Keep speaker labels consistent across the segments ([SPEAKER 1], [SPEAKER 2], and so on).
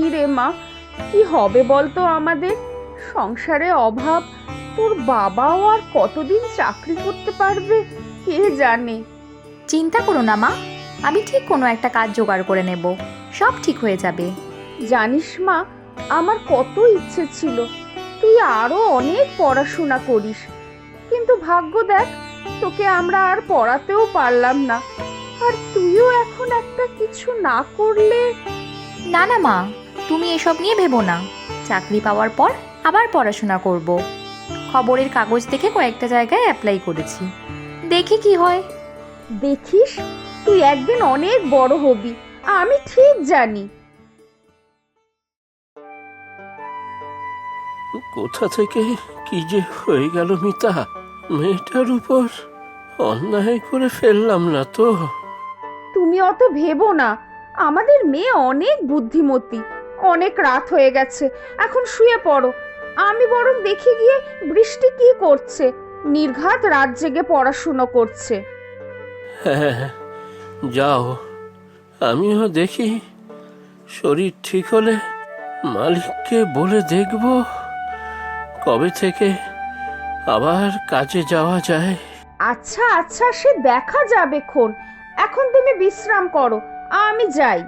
[SPEAKER 1] রে মা, কি হবে বলতো আমাদের? সংসারে অভাব, তোর বাবাও আর কতদিন চাকরি করতে পারবে কে জানে।
[SPEAKER 2] চিন্তা করো না মা, আমি ঠিক কোনো একটা কাজ জোগাড় করে নেব, সব ঠিক হয়ে যাবে।
[SPEAKER 1] জানিস মা, আমার কত ইচ্ছে ছিল তুই আরো অনেক পড়াশোনা করিস, কিন্তু ভাগ্য দেখ, তোকে আমরা আর পড়াতেও পারলাম না। আর তুইও এখন একটা কিছু না করলে।
[SPEAKER 2] না না মা, তুমি এসব নিয়ে ভেবো না, চাকরি পাওয়ার পর আবার পড়াশোনা করব। খবরের কাগজ দেখে কয়েকটা জায়গায় অ্যাপ্লাই করেছি, দেখি কি হয়।
[SPEAKER 1] দেখিস, তুই একদিন অনেক বড় হবি, আমি ঠিক জানি।
[SPEAKER 3] কোথা থেকে কি যে হয়ে গেল মিতা, মেয়েটার উপর অন্যায় করে ফেললাম না তো?
[SPEAKER 1] তুমি অত ভেবো না, আমাদের মেয়ে অনেক বুদ্ধিমতী। অনেক রাত হয়ে গেছে, এখন শুয়ে পড়ো। আমি বরং দেখে গিয়ে বৃষ্টি কি করছে। নির্ঘাত রাত জেগে পড়াশুনো করছে।
[SPEAKER 3] হ্যাঁ, যাও, আমিও দেখি। শরীর ঠিক হলে মালিককে বলে দেখব কবে থেকে আবার কাজে যাওয়া যায়।
[SPEAKER 1] আচ্ছা আচ্ছা, সে দেখা যাবে খন। এখন তুমি বিশ্রাম করো, আমি যাই।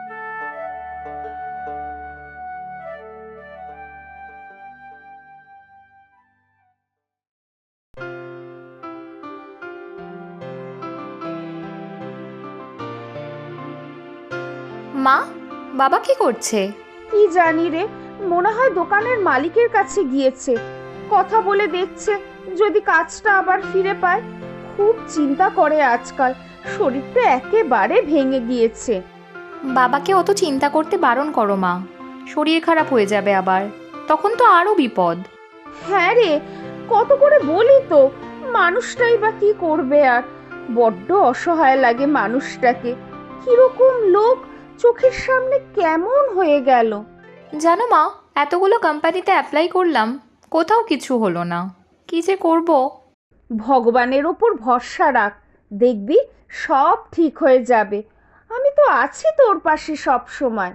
[SPEAKER 2] মা, বাবা কি করছে?
[SPEAKER 1] কি জানি রে, মনে হয় দোকানের মালিকের কাছে গিয়েছে। কথা বলে দেখছে যদি কাজটা আবার ফিরে পায়। খুব চিন্তা করে আজকাল, শরীরটা একেবারে ভেঙে গিয়েছে।
[SPEAKER 2] বাবাকে অত চিন্তা করতে বারণ করো মা, শরীর খারাপ হয়ে যাবে আবার, তখন তো আরও বিপদ।
[SPEAKER 1] হ্যাঁ রে, কত করে বলি তো, মানুষটাই বা কি করবে আর। বড্ড অসহায় লাগে মানুষটাকে। কিরকম লোক চোখের সামনে কেমন হয়ে গেল।
[SPEAKER 2] জানো মা, এতগুলো কোম্পানিতে অ্যাপ্লাই করলাম, কোথাও কিছু হলো না, কি যে করব।
[SPEAKER 1] ভগবানের ওপর ভরসা রাখ, দেখবি সব ঠিক হয়ে যাবে। আমি তো আছি তোর পাশে সব সময়।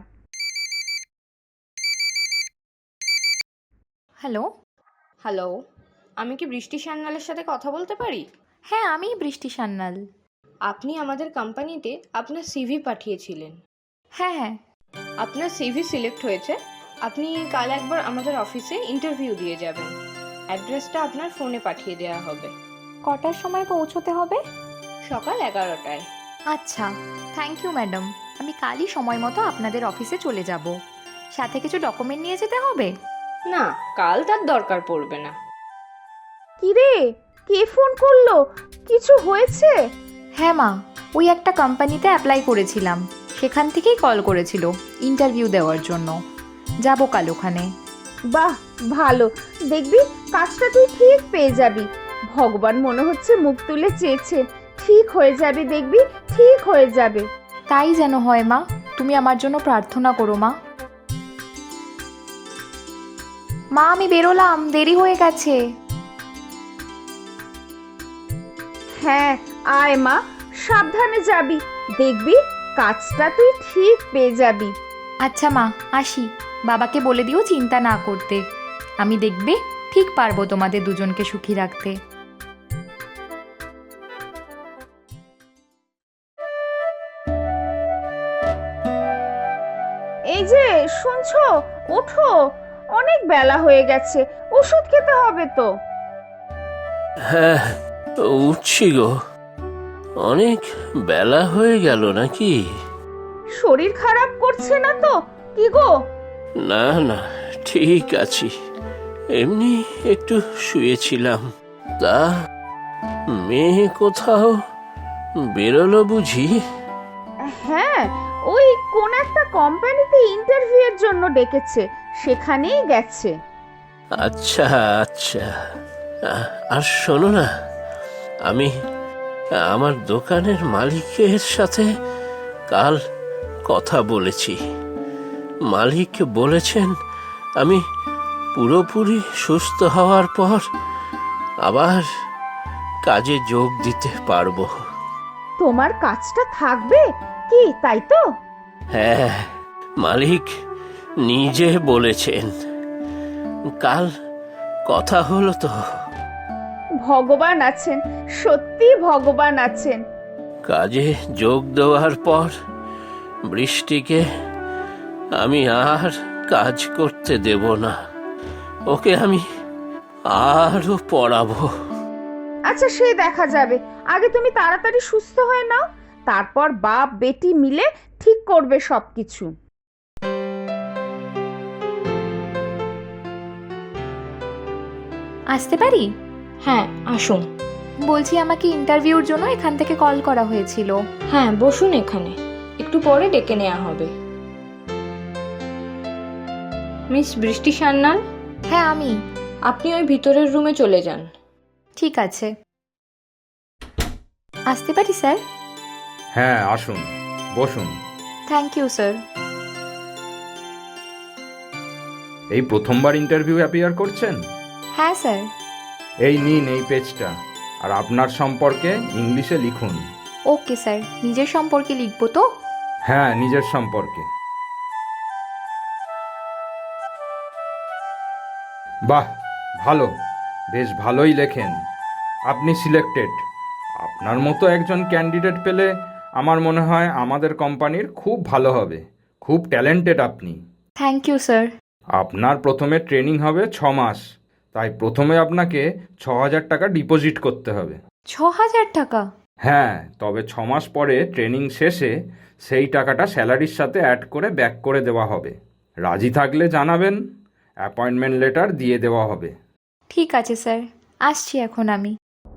[SPEAKER 2] হ্যালো।
[SPEAKER 4] হ্যালো, আমি কি বৃষ্টি সান্যালের সাথে কথা বলতে পারি?
[SPEAKER 2] হ্যাঁ, আমি বৃষ্টি সান্যাল।
[SPEAKER 4] আপনি আমাদের কোম্পানিতে আপনার সিভি পাঠিয়েছিলেন।
[SPEAKER 2] হ্যাঁ হ্যাঁ।
[SPEAKER 4] আপনার সিভি সিলেক্ট হয়েছে। আপনি কাল একবার আমাদের অফিসে ইন্টারভিউ দিয়ে যাবেন। অ্যাড্রেসটা আপনার ফোনে পাঠিয়ে দেওয়া হবে।
[SPEAKER 2] কটার সময় পৌঁছতে হবে?
[SPEAKER 4] সকাল 11টায়।
[SPEAKER 2] আচ্ছা, থ্যাংক ইউ ম্যাডাম, আমি কালই সময় মতো আপনাদের অফিসে চলে যাব। সাথে কিছু ডকুমেন্ট নিয়ে যেতে হবে?
[SPEAKER 4] না, কাল তার দরকার পড়বে না।
[SPEAKER 1] কিরে, কে ফোন করলো? কিছু হয়েছে?
[SPEAKER 2] হ্যাঁ মা, ওই একটা কোম্পানিতে অ্যাপ্লাই করেছিলাম, সেখান থেকেই কল করেছিল ইন্টারভিউ দেওয়ার জন্য। যাব কাল ওখানে।
[SPEAKER 1] বাহ, ভালো। দেখবি কাজটা তুই ঠিক পেয়ে যাবি। ভগবান মনে হচ্ছে মুখ তুলে চেয়েছে। ঠিক হয়ে যাবে, দেখবি ঠিক হয়ে যাবে।
[SPEAKER 2] তাই যেন হয় মা, তুমি আমার জন্য প্রার্থনা করো মা। মা, আমি বেরোলাম, দেরি হয়ে গেছে।
[SPEAKER 1] হ্যাঁ, আয় মা, সাবধানে যাবি। দেখবি কাজটা তুই ঠিক পেয়ে যাবি।
[SPEAKER 2] আচ্ছা মা, আসি। বাবাকে বলে দিও চিন্তা না করতে, আমি দেখবে ঠিক পারবো তোমাদের দুজনকে সুখী রাখতে।
[SPEAKER 1] এই যে শুনছো, ওঠো, অনেক বেলা হয়ে গেছে, ওষুধ খেতে হবে তো।
[SPEAKER 3] হ্যাঁ, উঠছি গো। অনেক বেলা হয়ে গেল নাকি?
[SPEAKER 1] শরীর খারাপ করছে না তো কি গো?
[SPEAKER 3] না না, ঠিক আছি, এমনি একটু শুয়েছিলাম। তা মেয়ে কোথাও বেরোলো বুঝি?
[SPEAKER 1] হ্যাঁ, ওই কোন একটা কোম্পানিতে ইন্টারভিউ এর জন্য ডেকেছে, সেখানেই গেছে।
[SPEAKER 3] আচ্ছা আচ্ছা, আর শোনো না, আমি আমার দোকানের মালিকের সাথে কাল কথা বলেছি। মালিক বলেছেন আমি পুরোপুরি সুস্থ হওয়ার পর আবার কাজে যোগ দিতে পারবো।
[SPEAKER 1] তোমার কাজটা থাকবে কি, তাই তো?
[SPEAKER 3] হ্যাঁ, মালিক নিজে বলেছেন। কাল কথা হলো তো।
[SPEAKER 1] ভগবান আছেন, সত্যি ভগবান আছেন।
[SPEAKER 3] কাজে যোগ দেওয়ার পর বৃষ্টিকে আমি আর কাজ করতে দেব না। ওকে আমি আরো পড়াবো।
[SPEAKER 1] আচ্ছা, সে দেখা যাবে। আগে তুমি তাড়াতাড়ি সুস্থ হয়ে নাও, তারপর বাপ বেটি মিলে ঠিক করবে সবকিছু।
[SPEAKER 2] আসতে পারি?
[SPEAKER 4] হ্যাঁ, আসুন।
[SPEAKER 2] বলছি, আমাকে ইন্টারভিউর জন্য এখান থেকে কল করা হয়েছিল।
[SPEAKER 4] হ্যাঁ, বসুন এখানে, একটু পরে ডেকে নেওয়া হবে। মিস বৃষ্টি সান্যাল,
[SPEAKER 2] হ্যাঁ আমি।
[SPEAKER 4] আপনি ওই ভিতরের রুমে চলে যান।
[SPEAKER 2] ঠিক আছে, আসতে পারি স্যার?
[SPEAKER 5] হ্যাঁ আসুন, বসুন।
[SPEAKER 2] Thank you sir.
[SPEAKER 5] এই প্রথমবার ইন্টারভিউ অ্যাপিয়ার করছেন?
[SPEAKER 2] হ্যাঁ স্যার।
[SPEAKER 5] এই নিন এই পেজটা, আর আপনার সম্পর্কে ইংলিশে লিখুন।
[SPEAKER 2] ওকে স্যার, নিজের সম্পর্কে লিখবো তো?
[SPEAKER 5] হ্যাঁ, নিজের সম্পর্কে। বাহ, ভালো, বেশ ভালোই লেখেন। আপনি সিলেক্টেড। আপনার মতো একজন ক্যান্ডিডেট পেলে আমার মনে হয় আমাদের কোম্পানির খুব ভালো হবে। খুব ট্যালেন্টেড আপনি।
[SPEAKER 2] Thank you sir.
[SPEAKER 5] আপনার প্রথমে ট্রেনিং হবে 6 মাস, তাই প্রথমে আপনাকে 6,000 টাকা ডিপোজিট করতে হবে।
[SPEAKER 2] 6,000 টাকা?
[SPEAKER 5] হ্যাঁ, তবে 6 মাস পরে ট্রেনিং শেষে সেই টাকাটা স্যালারির সাথে অ্যাড করে ব্যাক করে দেওয়া হবে। রাজি থাকলে জানাবেন, অ্যাপয়েন্টমেন্ট লেটার দিয়ে দেওয়া হবে।
[SPEAKER 2] ঠিক আছে স্যার, আসছি এখন আমি।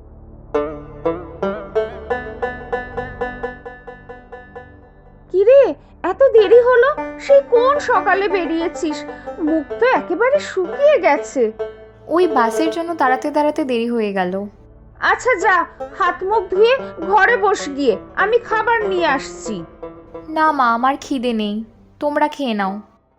[SPEAKER 1] কিরে, এত দেরি হলো? সেই কোন সকালে বেরিয়েছিস? মুখ তো একেবারে শুকিয়ে গেছে।
[SPEAKER 2] ওই বাসের জন্য দাঁড়াতে দাঁড়াতে দেরি হয়ে গেল।
[SPEAKER 1] আচ্ছা যা, হাত মুখ ধুয়ে ঘরে বস গিয়ে, আমি খাবার নিয়ে আসছি।
[SPEAKER 2] না মা, আমার খিদে নেই, তোমরা খেয়ে নাও।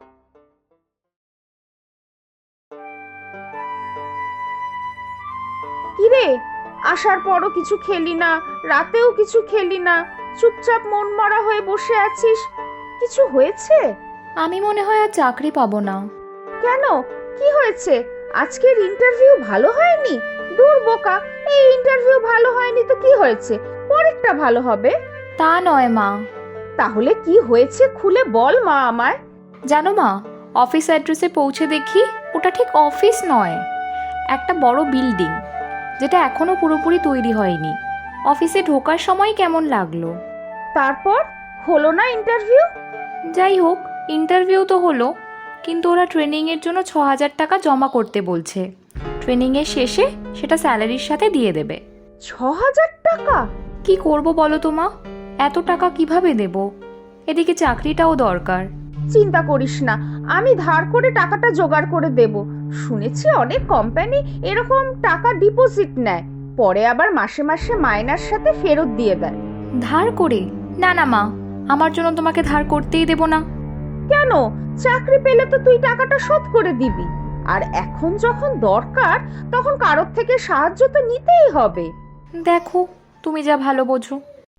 [SPEAKER 1] কিরে, আসার পরও কিছু খেলি না, রাতেও কিছু খেলি না, চুপচাপ মন মরা হয়ে বসে আছিস। কিছু হয়েছে?
[SPEAKER 2] আমি মনে হয় আর চাকরি পাবো না।
[SPEAKER 1] কেন, কি হয়েছে? আজকের ইন্টারভিউ ভালো হয়নি? দূর বোকা, এই ইন্টারভিউ ভালো হয়নি তো কি হয়েছে? পরেরটা ভালো হবে।
[SPEAKER 2] তা নয় মা।
[SPEAKER 1] তাহলে কি হয়েছে খুলে বল মা আমায়।
[SPEAKER 2] জানো মা, অফিস অ্যাড্রেসে পৌঁছে দেখি ওটা ঠিক অফিস নয়, একটা বড় বিল্ডিং, যেটা এখনো পুরোপুরি তৈরি হয়নি। অফিসে ঢোকার সময় কেমন লাগলো।
[SPEAKER 1] তারপর হলো না ইন্টারভিউ?
[SPEAKER 2] যাই হোক, ইন্টারভিউ তো হলো, কিন্তু ওরা ট্রেনিংয়ের জন্য 6,000 টাকা জমা করতে বলছে। ট্রেনিংয়ের শেষে সেটা স্যালারির সাথে দিয়ে দেবে।
[SPEAKER 1] 6,000 টাকা?
[SPEAKER 2] কি করব বলো তো মা, এত টাকা কিভাবে দেব? এদিকে চাকরিটাও দরকার।
[SPEAKER 1] চিন্তা করিস না, আমি ধার করে টাকাটা জোগাড় করে দেব। শুনেছি অনেক কোম্পানি এরকম টাকা ডিপোজিট নেয়, পরে আবার মাসে মাসে মাইনার সাথে ফেরত দিয়ে দেয়।
[SPEAKER 2] ধার করে? না না মা, আমার জন্য তোমাকে ধার করতেই দেব না।
[SPEAKER 1] কেন? চাকরি পেলে তো তুই টাকাটা শোধ করে দিবি, আর এখন যখন দরকার তখন কারোর থেকে সাহায্য তো নিতেই হবে।
[SPEAKER 2] দেখো, তুমি যা ভালো বোঝো।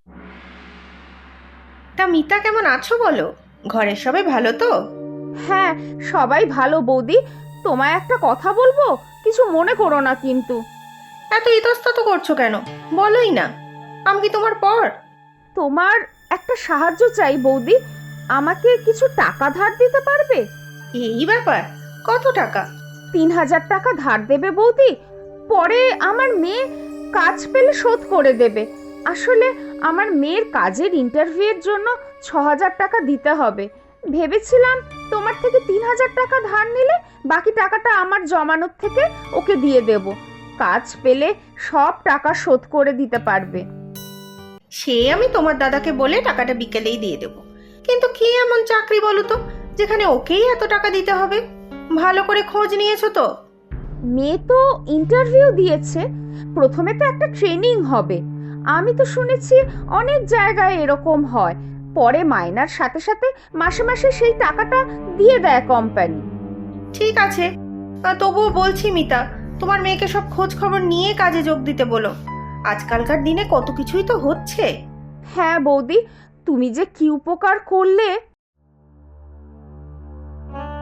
[SPEAKER 6] তা মিতা কেমন আছো বলো? ঘরের সবাই ভালো তো?
[SPEAKER 1] হ্যাঁ, সবাই ভালো বৌদি। তোমায় একটা কথা বলবো, কিছু মনে করো না কিন্তু।
[SPEAKER 6] এত ইতস্তত করছো কেন? বলোই না, আমি কি তোমার পর?
[SPEAKER 1] তোমার একটা সাহায্য চাই বৌদি, আমাকে কিছু টাকা ধার দিতে পারবে?
[SPEAKER 6] এই ব্যাপার, কত টাকা?
[SPEAKER 1] 3,000 টাকা ধার দেবে বৌদি, পরে আমার মেয়ে কাজ পেলে শোধ করে দেবে। আসলে আমার মেয়ের কাজের ইন্টারভিউয়ের জন্য 6,000 টাকা দিতে হবে। ভেবেছিলাম তোমার থেকে 3,000 টাকা ধার নিলে বাকি টাকাটা আমার জমানোর থেকে ওকে দিয়ে দেব। কাজ পেলে সব টাকা শোধ করে দিতে পারবে।
[SPEAKER 6] সে আমি তোমার দাদাকে বলে টাকাটা বিকেলেই দিয়ে দেবো, কিন্তু কি এমন চাকরি বলো তো যেখানে ওকেই এত টাকা দিতে হবে? ভালো করে খোঁজ নিয়েছো তো?
[SPEAKER 1] মেয়ে তো ইন্টারভিউ দিয়েছে, প্রথমে তো একটা ট্রেনিং হবে। আমি তো শুনেছি অনেক জায়গায় এরকম হয়, পরে মাইনার সাথে সাথে মাসে মাসে সেই টাকাটা দিয়ে দেয় কোম্পানি।
[SPEAKER 6] ঠিক আছে, তবুও বলছি মিতা, তোমার মেয়েকে সব খোঁজ খবর নিয়ে কাজে যোগ দিতে বলো। আজকালকার দিনে কত কিছুই তো হচ্ছে।
[SPEAKER 1] হ্যাঁ বৌদি, তুমি যে কি উপকার করলে।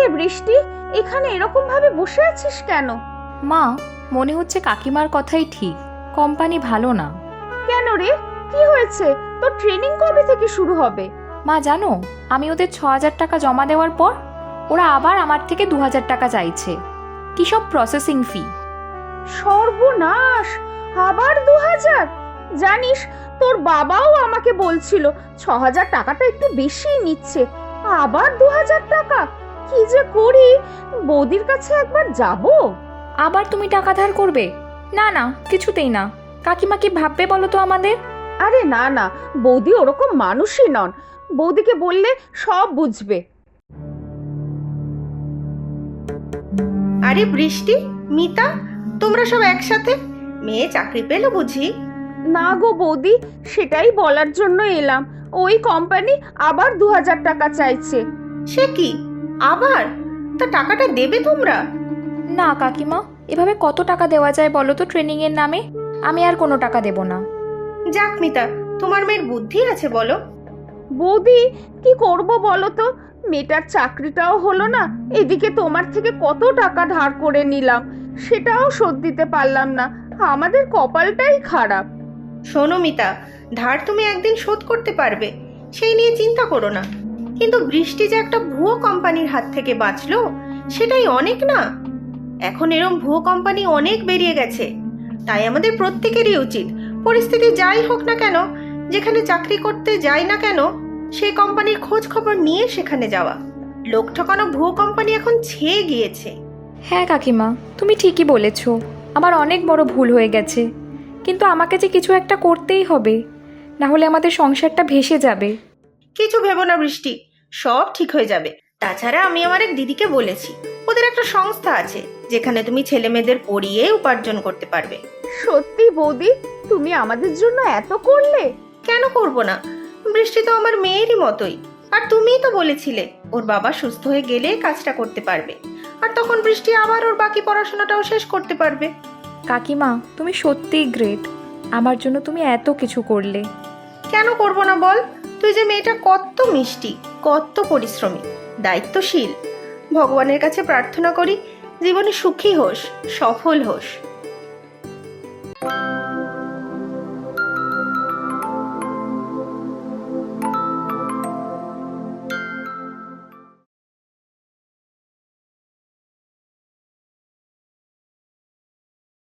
[SPEAKER 1] রে বৃষ্টি, এখানে এরকম ভাবে বসে আছিস কেন?
[SPEAKER 2] মা, মনে হচ্ছে কাকিমার কথাই ঠিক, কোম্পানি ভালো না।
[SPEAKER 1] কেন রে, কি হয়েছে? তোর ট্রেনিং কবে থেকে শুরু হবে?
[SPEAKER 2] মা জানো, আমি ওদের 6,000 টাকা জমা দেওয়ার পর ওরা আবার আমার থেকে 2,000 টাকা চাইছে। কি সব প্রসেসিং ফি!
[SPEAKER 1] সর্বনাশ, আবার 2,000! জানিস, তোর বাবাও আমাকে বলছিল 6,000 টাকাটা একটু বেশি নিচ্ছে। আবার 2,000 টাকা! কি যে করি, বৌদির কাছে একবার যাব।
[SPEAKER 2] আবার তুমি টাকা ধার করবে? না না, কিছুতেই না। কাকিমা কি ভাববে বলো তো আমাদের?
[SPEAKER 1] আরে না না, বৌদি ওরকম মানুষই নন। বৌদিকে বললে সব বুঝবে।
[SPEAKER 6] আরে বৃষ্টি, মিতা, তোমরা সব একসাথে? মেয়ে চাকরি পেলো বুঝি?
[SPEAKER 1] না গো বৌদি, সেটাই বলার জন্য এলাম। ওই কোম্পানি আবার 2,000 টাকা চাইছে।
[SPEAKER 6] সে কি, আবার? তা টাকাটা দেবে তোমরা?
[SPEAKER 2] না কাকিমা, এভাবে কত টাকা দেওয়া যায় বলো তো ট্রেনিংয়ের নামে? আমি আর কোনো টাকা দেব না।
[SPEAKER 6] যাক মিতা, তোমার মেয়ের বুদ্ধি আছে বলো।
[SPEAKER 1] বৌদি, কি করব বলো তো? মেয়েটার চাকরিটাও হলো না, এদিকে তোমার থেকে কত টাকা ধার করে নিলাম, সেটাও শোধ দিতে পারলাম না। আমাদের কপালটাই খারাপ।
[SPEAKER 6] শোনো মিতা, ধার তুমি একদিন শোধ করতে পারবে, সেই নিয়ে চিন্তা করো না। কিন্তু বৃষ্টি যে একটা ভুয়ো কোম্পানির হাত থেকে বাঁচলো, সেটাই অনেক না? এখন এরম ভুয়ো কোম্পানি অনেক বেরিয়ে গেছে। তাই আমাদের প্রত্যেকেরই উচিত, পরিস্থিতি যাই হোক না কেন, যেখানে চাকরি করতে যাই না কেন, সেই কোম্পানির খোঁজ খবর নিয়ে সেখানে যাওয়া। লোক ঠকানো ভুয়ো কোম্পানি এখন ছেয়ে গিয়েছে।
[SPEAKER 2] হ্যাঁ কাকিমা, তুমি ঠিকই বলেছ। আমার অনেক বড় ভুল হয়ে গেছে, কিন্তু আমাকে যে কিছু একটা করতেই হবে, না হলে আমাদের সংসারটা ভেসে যাবে।
[SPEAKER 6] কিছু ভেবো না বৃষ্টি, সব ঠিক হয়ে যাবে। তাছাড়া আমি আমার এক দিদিকে বলেছি, ওদের একটা সংস্থা আছে যেখানে তুমি ছেলে মেয়েদের পড়িয়ে উপার্জন করতে পারবে।
[SPEAKER 1] সত্যি বৌদি, তুমি আমাদের জন্য এত করলে।
[SPEAKER 6] কেন করব না? বৃষ্টি তো আমার মেয়েরই মতোই। আর তুমিই তো বলেছিলে ওর বাবা সুস্থ হয়ে গেলে কাজটা করতে পারবে, আর তখন বৃষ্টি আবার ওর বাকি পড়াশোনাটাও শেষ করতে পারবে।
[SPEAKER 2] কাকিমা, তুমি সত্যিই গ্রেট। আমার জন্য তুমি এত কিছু করলে।
[SPEAKER 6] কেন করব না বল? তুই যে মেয়েটা কত মিষ্টি, কত পরিশ্রমী, দায়িত্বশীল। ভগবানের কাছে প্রার্থনা করি জীবনে সুখী হোস, সফল হোস।